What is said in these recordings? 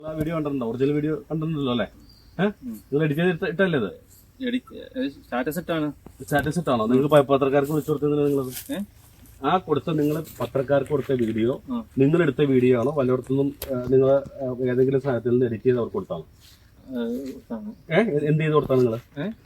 Video കണ്ടിട്ടുണ്ടോ? Original video കണ്ടിട്ടുണ്ടല്ലോ അല്ലേ? നിങ്ങൾ എഡിറ്റ് ചെയ്ത് ഇട്ടല്ലേ ഇത്? സ്റ്റാറ്റസ് ഇട്ടാണോ? നിങ്ങൾ പത്രക്കാർക്ക് വിളിച്ചു കൊടുത്തത്? നിങ്ങളത് ആ കൊടുത്ത നിങ്ങൾ പത്രക്കാർക്ക് കൊടുത്ത വീഡിയോ നിങ്ങൾ എടുത്ത വീഡിയോ ആണോ? വല്ലയിടത്തുനിന്നും നിങ്ങൾ ഏതെങ്കിലും സ്ഥലത്തിൽ നിന്ന് എഡിറ്റ് ചെയ്ത് അവർക്ക് കൊടുത്താണോ? എന്ത് ചെയ്ത് കൊടുത്താണ് നിങ്ങൾ?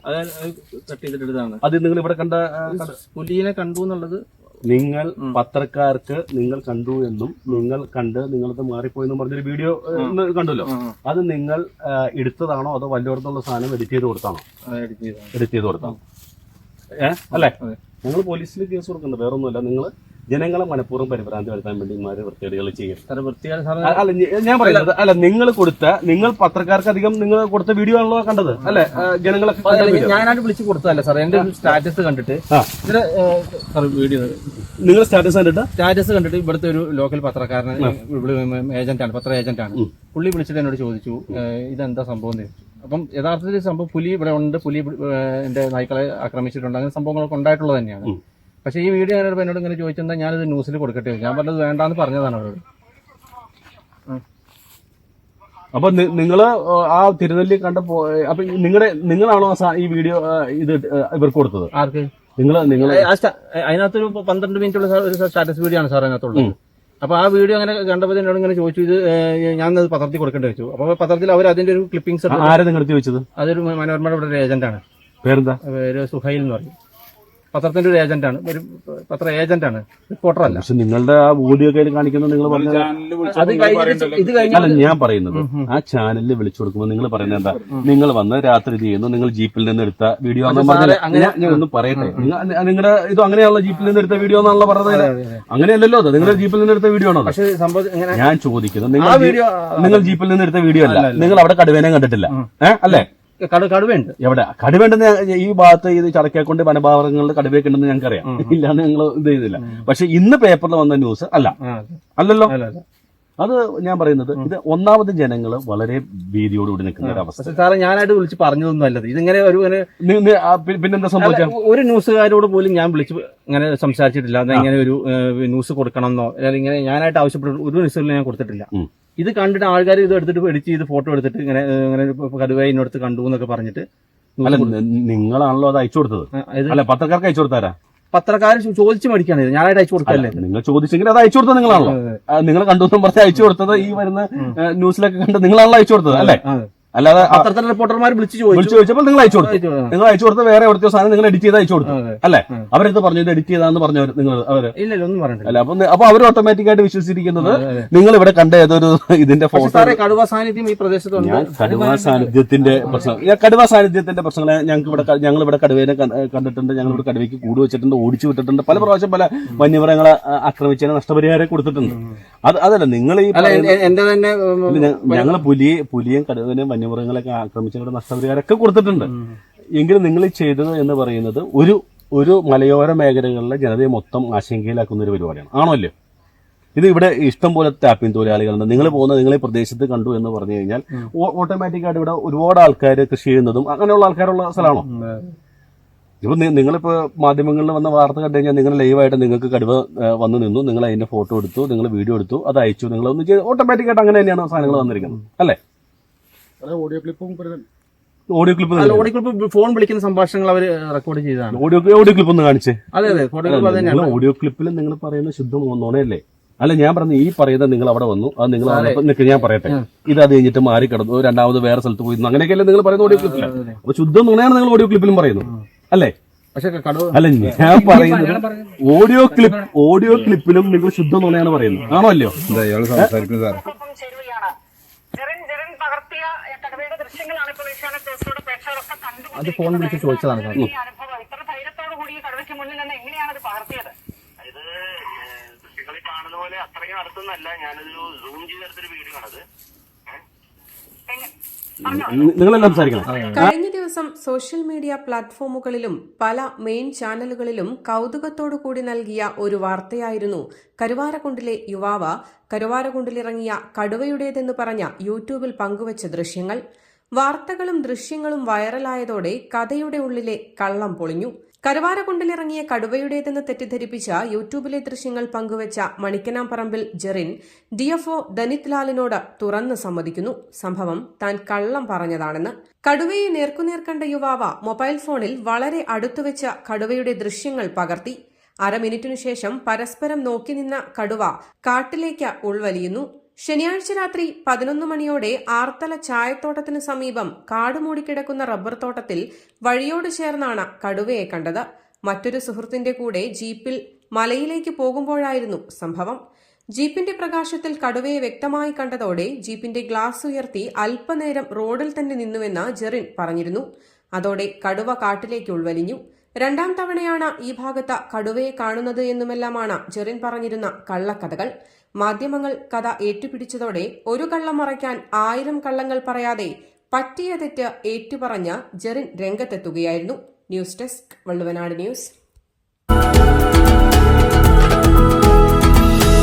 അത് നിങ്ങൾ ഇവിടെ കണ്ട പുലിയെ കണ്ടു എന്നുള്ളത് നിങ്ങൾ പത്രക്കാർക്ക് നിങ്ങൾ കണ്ടു എന്നും നിങ്ങൾ കണ്ട് നിങ്ങളത് മാറിപ്പോയെന്നും പറഞ്ഞൊരു വീഡിയോ കണ്ടല്ലോ. അത് നിങ്ങൾ എടുത്തതാണോ അതോ വല്ലയിടത്തുള്ള സാധനം എഡിറ്റ് ചെയ്ത് കൊടുത്താണോ? എഡിറ്റ് ചെയ്ത് കൊടുത്താണോ? അല്ലേ? നിങ്ങൾ പോലീസിൽ കേസ് കൊടുക്കണ്ട, വേറൊന്നുമല്ല. നിങ്ങൾ ജനങ്ങളെ മനഃപൂർവ്വം പരിഭ്രാന്തി വരുത്താൻ വേണ്ടി ഇമാര് വൃത്തികേടുകൾ ചെയ്യും. അല്ല, ഞാൻ പറയുന്നത് അല്ല, നിങ്ങൾ പത്രക്കാർക്ക് അധികം നിങ്ങൾ കൊടുത്ത വീഡിയോ ആണല്ലോ കണ്ടത് അല്ലെ? ജനങ്ങളെ ഞാനായിട്ട് വിളിച്ചു കൊടുത്തതല്ല സാർ, എന്റെ സ്റ്റാറ്റസ് കണ്ടിട്ട് വീഡിയോ നിങ്ങൾ സ്റ്റാറ്റസ് കണ്ടിട്ട് ഇവിടുത്തെ ഒരു ലോക്കൽ പത്രക്കാരൻ ഏജന്റാണ്, പത്ര ഏജന്റാണ്. പുള്ളി വിളിച്ചിട്ട് എന്നോട് ചോദിച്ചു ഇതെന്താ സംഭവം എന്ന് ചോദിച്ചു. അപ്പം യഥാർത്ഥത്തിൽ സംഭവം പുലി ഇവിടെ ഉണ്ട്, പുലി എന്റെ നായ്ക്കളെ ആക്രമിച്ചിട്ടുണ്ട്, അങ്ങനെ സംഭവങ്ങളൊക്കെ ഉണ്ടായിട്ടുള്ളത് തന്നെയാണ്. പക്ഷേ ഈ വീഡിയോ ഞാനോട് എന്നോട് ഇങ്ങനെ ചോദിച്ചെന്താ ഞാനിത് ന്യൂസിൽ കൊടുക്കട്ടെ, ഞാൻ പറഞ്ഞത് വേണ്ടാന്ന് പറഞ്ഞതാണ് അവരോട്. അപ്പൊ നിങ്ങള് ആ തിരുനെല്ലി കണ്ട അപ്പൊ നിങ്ങളാണോ ഈ വീഡിയോ ഇത് ഇവർക്ക് കൊടുത്തത്? ആർക്ക്? നിങ്ങൾ അതിനകത്തൊരു 12 മിനിറ്റുള്ള ഒരു സ്റ്റാറ്റസ് വീഡിയോ ആണ് സാർ അതിനകത്തുള്ളത്. അപ്പൊ ആ വീഡിയോ അങ്ങനെ കണ്ടപ്പോൾ എന്നോട് ഇങ്ങനെ ചോദിച്ചു ഇത് ഞാനത് പത്രത്തിൽ കൊടുക്കേണ്ടി വെച്ചു. അപ്പൊ പത്രത്തിൽ അവർ അതിന്റെ ഒരു ക്ലിപ്പിംഗ്സ് ആരെ നിങ്ങൾ ചോദിച്ചത്? അതൊരു മനോരമയുടെ ഇവിടെ ഒരു ഏജന്റാണ്. പേരെന്താ? പേര് സുഹൈൽ എന്ന് പറയും. പത്രത്തിന്റെ ഒരു ഏജന്റാണ്, ഒരു പത്ര ഏജന്റാണ്, റിപ്പോർട്ടർ അല്ല. പക്ഷെ നിങ്ങളുടെ ആ വീഡിയോ കയ്യിൽ കാണിക്കുന്നത് നിങ്ങൾ ഇത് കഴിഞ്ഞാൽ ഞാൻ പറയുന്നത് ആ ചാനലിൽ വിളിച്ചു കൊടുക്കുമ്പോൾ നിങ്ങൾ പറയുന്നത് എന്താ? നിങ്ങൾ വന്ന് രാത്രി ചെയ്യുന്നു, നിങ്ങൾ ജീപ്പിൽ നിന്ന് എടുത്ത വീഡിയോ ഞാൻ ഒന്ന് പറയട്ടെ. നിങ്ങളുടെ ഇത് അങ്ങനെയുള്ള ജീപ്പിൽ നിന്ന് എടുത്ത വീഡിയോ എന്നാണല്ലോ പറഞ്ഞത്. അങ്ങനെയല്ലല്ലോ, അത് നിങ്ങളുടെ ജീപ്പിൽ നിന്ന് എടുത്ത വീഡിയോ ആണോ? പക്ഷേ സംഭവം ഞാൻ ചോദിക്കുന്നത് നിങ്ങൾ ജീപ്പിൽ നിന്ന് എടുത്ത വീഡിയോ അല്ല, നിങ്ങൾ അവിടെ കടുവേനെ കണ്ടിട്ടില്ല അല്ലേ? കടുവയുണ്ട്. എവിടെ കടുവേണ്ടെന്ന്? ഈ ഭാഗത്ത് ഇത് ചടക്കേക്കൊണ്ട് വനഭാഗങ്ങളിൽ കടുവയൊക്കെ ഉണ്ടെന്ന് ഞങ്ങൾക്കറിയാം, ഇല്ലാന്ന് ഞങ്ങൾ ഇത് ചെയ്തില്ല. പക്ഷെ ഇന്ന് പേപ്പറിൽ വന്ന ന്യൂസ് അല്ലല്ലോ. അത് ഞാൻ പറയുന്നത് ഇത് ഒന്നാമത് ജനങ്ങൾ വളരെ ഭീതിയോടുകൂടി നിൽക്കുന്ന ഒരു അവസ്ഥ. സാറേ ഞാനായിട്ട് വിളിച്ച് പറഞ്ഞതൊന്നും അല്ലത്. ഇതിങ്ങനെ പിന്നെന്താ സംഭവിച്ചത്? ഒരു ന്യൂസുകാരോട് പോലും ഞാൻ വിളിച്ച് ഇങ്ങനെ സംസാരിച്ചിട്ടില്ല. ഇങ്ങനെ ഒരു ന്യൂസ് കൊടുക്കണമെന്നോ അല്ലെങ്കിൽ ഇങ്ങനെ ഞാനായിട്ട് ആവശ്യപ്പെട്ട ഒരു ന്യൂസുകളിൽ ഞാൻ കൊടുത്തിട്ടില്ല. ഇത് കണ്ടിട്ട് ആൾക്കാർ ഇത് എടുത്തിട്ട് എഡിറ്റ് ചെയ്ത് ഫോട്ടോ എടുത്തിട്ട് ഇങ്ങനെ കടുവയെ ഇന്നടുത്ത് കണ്ടു എന്നൊക്കെ പറഞ്ഞിട്ട്. അല്ല, നിങ്ങളാണല്ലോ അത് അയച്ചു കൊടുത്തത്? അല്ല, പത്രക്കാർക്ക് അയച്ചു കൊടുത്താരാ? പത്രക്കാർ ചോദിച്ചു മേടിക്കാണ്, ഞാനായിട്ട് അയച്ചു കൊടുക്കല്ലേ? നിങ്ങൾ ചോദിച്ചെങ്കിൽ അത് അയച്ചു കൊടുത്തത് നിങ്ങളാണല്ലോ. നിങ്ങൾ കണ്ടു പറഞ്ഞ് അയച്ചു കൊടുത്തത് ഈ വരുന്ന ന്യൂസിലൊക്കെ കണ്ട് നിങ്ങളാണല്ലോ അയച്ചു കൊടുത്തത് അല്ലേ? അല്ലാതെ പത്രത്തിലെ റിപ്പോർട്ടർമാർ വിളിച്ചു ചോദിച്ചപ്പോൾ നിങ്ങൾ അയച്ചു കൊടുത്തു. നിങ്ങൾ അയച്ചു കൊടുത്ത വേറെ എവിടുത്തെ സാധനം നിങ്ങൾ എഡിറ്റ് ചെയ്ത് അയച്ചു കൊടുത്തു അല്ലേ? അവരെടുത്ത് പറഞ്ഞു ഇത് എഡിറ്റ് ചെയ്താന്ന് പറഞ്ഞവർ നിങ്ങൾ അവര് ഇല്ലല്ലോ ഒന്നും പറഞ്ഞില്ല. അല്ല, അപ്പൊ അവർ ഓട്ടോമാറ്റിക് ആയിട്ട് വിശ്വസിച്ചിരിക്കുന്നത് നിങ്ങൾ ഇവിടെ കണ്ട ഏതൊരു ഇതിന്റെ ഫോട്ടോ. കടുവ സാന്നിധ്യം ഈ പ്രദേശത്തുണ്ട്. കടുവ സാന്നിധ്യത്തിന്റെ പ്രശ്നങ്ങളെ ഞങ്ങൾ ഇവിടെ കടുവേനെ കണ്ടിട്ടുണ്ട്. ഞങ്ങൾ ഇവിടെ കടുവയ്ക്ക് കൂട് വെച്ചിട്ടുണ്ട്, ഓടിച്ചു വിട്ടിട്ടുണ്ട്, പല പ്രാവശ്യം പല വന്യമൃഗങ്ങളെ ആക്രമിച്ചതിന് നഷ്ടപരിഹാരം കൊടുത്തിട്ടുണ്ട്. അതല്ല നിങ്ങൾ ഈ എന്റെ തന്നെ ഞങ്ങൾ പുലിയും കടുവനെയും വന്യമൃഗങ്ങളൊക്കെ ആക്രമിച്ചവരുടെ നഷ്ടപരിഹാരമൊക്കെ കൊടുത്തിട്ടുണ്ട്. എങ്കിലും നിങ്ങൾ ചെയ്തത് എന്ന് പറയുന്നത് ഒരു മലയോര മേഖലകളിലെ ജനതയെ മൊത്തം ആശങ്കയിലാക്കുന്ന ഒരു പരിപാടിയാണ്, ആണല്ലോ? ഇത് ഇവിടെ ഇഷ്ടം പോലെ ടാപ്പിംഗ് തൊഴിലാളികളുണ്ട്. നിങ്ങൾ ഈ പ്രദേശത്ത് കണ്ടു എന്ന് പറഞ്ഞു കഴിഞ്ഞാൽ ഓട്ടോമാറ്റിക്കായിട്ട് ഇവിടെ ഒരുപാട് ആൾക്കാർ കൃഷി ചെയ്യുന്നതും അങ്ങനെയുള്ള ആൾക്കാരുള്ള സ്ഥലമാണോ? ഇപ്പൊ നിങ്ങളിപ്പോ മാധ്യമങ്ങളിൽ വന്ന വാർത്ത കണ്ടു കഴിഞ്ഞാൽ നിങ്ങൾ ലൈവായിട്ട് നിങ്ങൾക്ക് കടുവ വന്നു നിന്നു, നിങ്ങൾ അതിന്റെ ഫോട്ടോ എടുത്തു, നിങ്ങൾ വീഡിയോ എടുത്തു, അത് അയച്ചു, നിങ്ങൾ ഒന്ന് ചെയ്ത് ഓട്ടോമാറ്റിക്കായിട്ട് അങ്ങനെ തന്നെയാണ് സാധനങ്ങൾ വന്നിരിക്കുന്നത് അല്ലേ? ഓഡിയോ ക്ലിപ്പ് ഫോൺ വിളിക്കുന്ന സംഭാഷണങ്ങൾ അവർ റെക്കോർഡ് ചെയ്തതാണ്. ഓഡിയോ ക്ലിപ്പ് ഒന്ന് കാണിച്ചേ. അതെ, ഓഡിയോ ക്ലിപ്പിൽ നിങ്ങൾ പറയുന്ന ശുദ്ധം നുണയല്ലേ? അല്ല, ഞാൻ പറഞ്ഞു ഈ പറയുന്നത് നിങ്ങൾ അവിടെ വന്നു, അത് നിങ്ങൾ ഞാൻ പറയട്ടെ, ഇത് അത് കഴിഞ്ഞിട്ട് മാറി കിടന്നു, രണ്ടാമത് വേറെ സ്ഥലത്ത് പോയി, അങ്ങനെയൊക്കെയല്ലേ നിങ്ങൾ പറയുന്ന ഓഡിയോ ക്ലിപ്പിൽ? അപ്പൊ ശുദ്ധം നുണയാണ് നിങ്ങൾ ഓഡിയോ ക്ലിപ്പിലും പറയുന്നു അല്ലേ? അല്ല, ഞാൻ പറയുന്നത് ഓഡിയോ ക്ലിപ്പിലും നിങ്ങൾ ശുദ്ധം നുണയാണ് പറയുന്നത്, ആണോ അല്ലയോ? അത് ഫോൺ വിളിച്ച് ചോദിച്ചതാണ് സാർ. കഴിഞ്ഞ ദിവസം സോഷ്യൽ മീഡിയ പ്ലാറ്റ്ഫോമുകളിലും പല മെയിൻ ചാനലുകളിലും കൗതുകത്തോടുകൂടി നൽകിയ ഒരു വാർത്തയായിരുന്നു കരുവാരക്കുണ്ടിലെ യുവാവ് കരുവാരക്കുണ്ടിലിറങ്ങിയ കടുവയുടേതെന്ന് പറഞ്ഞ യൂട്യൂബിൽ പങ്കുവച്ച ദൃശ്യങ്ങൾ. വാർത്തകളും ദൃശ്യങ്ങളും വൈറലായതോടെ കഥയുടെ ഉള്ളിലെ കള്ളം പൊളിഞ്ഞു. കരുവാരക്കുണ്ടിലിറങ്ങിയ കടുവയുടേതെന്ന് തെറ്റിദ്ധരിപ്പിച്ച യൂട്യൂബിലെ ദൃശ്യങ്ങൾ പങ്കുവച്ച മണിക്കനാംപറമ്പിൽ ജെറിൻ ഡിഎഫ്ഒ ദനിത് ലാലിനോട് തുറന്ന് സമ്മതിക്കുന്നു സംഭവം താൻ കള്ളം പറഞ്ഞതാണെന്ന്. കടുവയെ നേർക്കുനേർ കണ്ട യുവാവ് മൊബൈൽ ഫോണിൽ വളരെ അടുത്തുവെച്ച കടുവയുടെ ദൃശ്യങ്ങൾ പകർത്തി. അരമിനിറ്റിനു ശേഷം പരസ്പരം നോക്കി നിന്ന കടുവ കാട്ടിലേക്ക് ഉൾവലിയുന്നു. ശനിയാഴ്ച രാത്രി 11 മണിയോടെ ആർത്തല ചായത്തോട്ടത്തിനു സമീപം കാടുമൂടിക്കിടക്കുന്ന റബ്ബർ തോട്ടത്തിൽ വഴിയോട് ചേർന്നാണ് കടുവയെ കണ്ടത്. മറ്റൊരു സുഹൃത്തിന്റെ കൂടെ ജീപ്പിൽ മലയിലേക്ക് പോകുമ്പോഴായിരുന്നു സംഭവം. ജീപ്പിന്റെ പ്രകാശത്തിൽ കടുവയെ വ്യക്തമായി കണ്ടതോടെ ജീപ്പിന്റെ ഗ്ലാസ് ഉയർത്തി അല്പനേരം റോഡിൽ തന്നെ നിന്നുവെന്ന് ജെറിൻ പറഞ്ഞിരുന്നു. അതോടെ കടുവ കാട്ടിലേക്ക് ഉൾവലിഞ്ഞു. 2ാം തവണയാണ് ഈ ഭാഗത്ത് കടുവയെ കാണുന്നത് എന്നുമെല്ലാമാണ് ജെറിൻ പറഞ്ഞിരുന്ന കള്ളക്കഥകൾ. മാധ്യമങ്ങൾ കഥ ഏറ്റുപിടിച്ചതോടെ ഒരു കള്ളം മറയ്ക്കാൻ 1000 കള്ളങ്ങൾ പറയാതെ പറ്റിയ തെറ്റ് ഏറ്റുപറഞ്ഞ് ജെറിൻ രംഗത്തെത്തുകയായിരുന്നു. News desk Valluvanad news.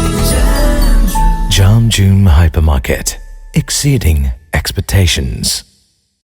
Jam June Hypermarket, exceeding expectations.